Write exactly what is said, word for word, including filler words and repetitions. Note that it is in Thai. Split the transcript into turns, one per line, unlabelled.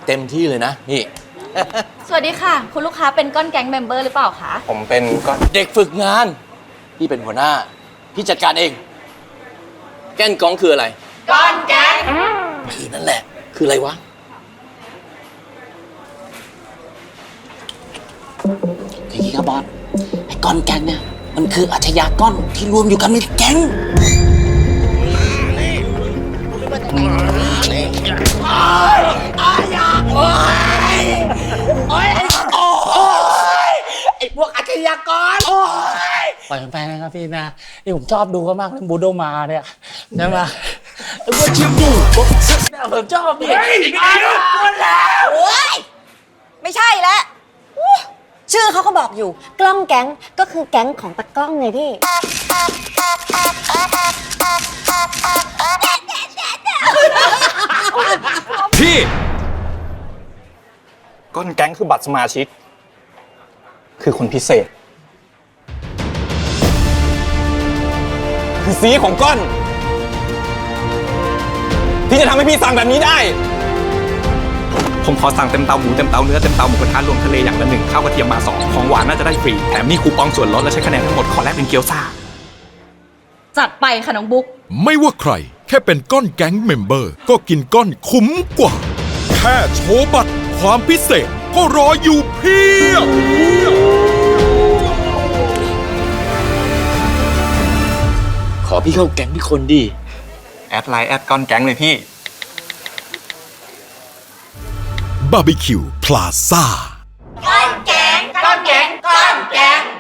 เต็มที่เลยนะนี่
สวัสดีค่ะ คุณลูกค้าเป็นก้อนแก๊งเมมเบอร์หรือเปล่าคะ
ผมเป็นก็
เด็กฝึกงานพี่เป็นหัวหน้าพี่จัดการเองแก้นกองคืออะไรก้อนแก๊งคือนั่นแหละคืออะไรวะ
คืออย่างนี้ครับบอสไอ้ก้อนแก๊งเนี่ยมันคืออาชญากรที่รวมอยู่กันเป็นแก๊งไอ้พวกอาชญากรปล่อยมันไปนะครับพี่นะนี่ผมชอบดูเขามากเลยบูโดมาเนี่ยใช่ไหมไอ้พวกชิมบูผมชอบพี่
โอ๊ยไม่ใช่แล้วอู้ชื่อเขาก็บอกอยู่กล้องแก๊งก็คือแก๊งของตะกล้องไงพี่
พี่ก้อนแก๊งคือบัตรสมาชิกคือคนพิเศษคือสีของก้อนที่จะทำให้พี่สั่งแบบนี้ได้ผมขอสั่งเต็มเตาหมูเต็มเตาเนื้อเต็มเตาหมูกระทะรวมทะเลอย่างละหนึ่งข้าวกระเทียมมาสองของหวานน่าจะได้ฟรีแถมมีคูปองส่วนลดและใช้คะแนนทั้งหมดขอแลกเป็นเกี๊ยวซ่า
จัดไปค่ะน้องบุ๊ก
ไม่ว่าใครแค่เป็นก้อนแก๊งเมมเบอร์ก็กินก้อนคุ้มกว่า แค่โชว์บัตรความพิเศษก็รออยู่เพียบ
ขอพี่เข้าแก๊งพี่คนดี
แอดไลน์แอดก้อนแก๊งเลยพี่
บาร์บีคิวพลาซ่า
ก้อนแก๊งก้อนแก๊งก้อนแก๊ง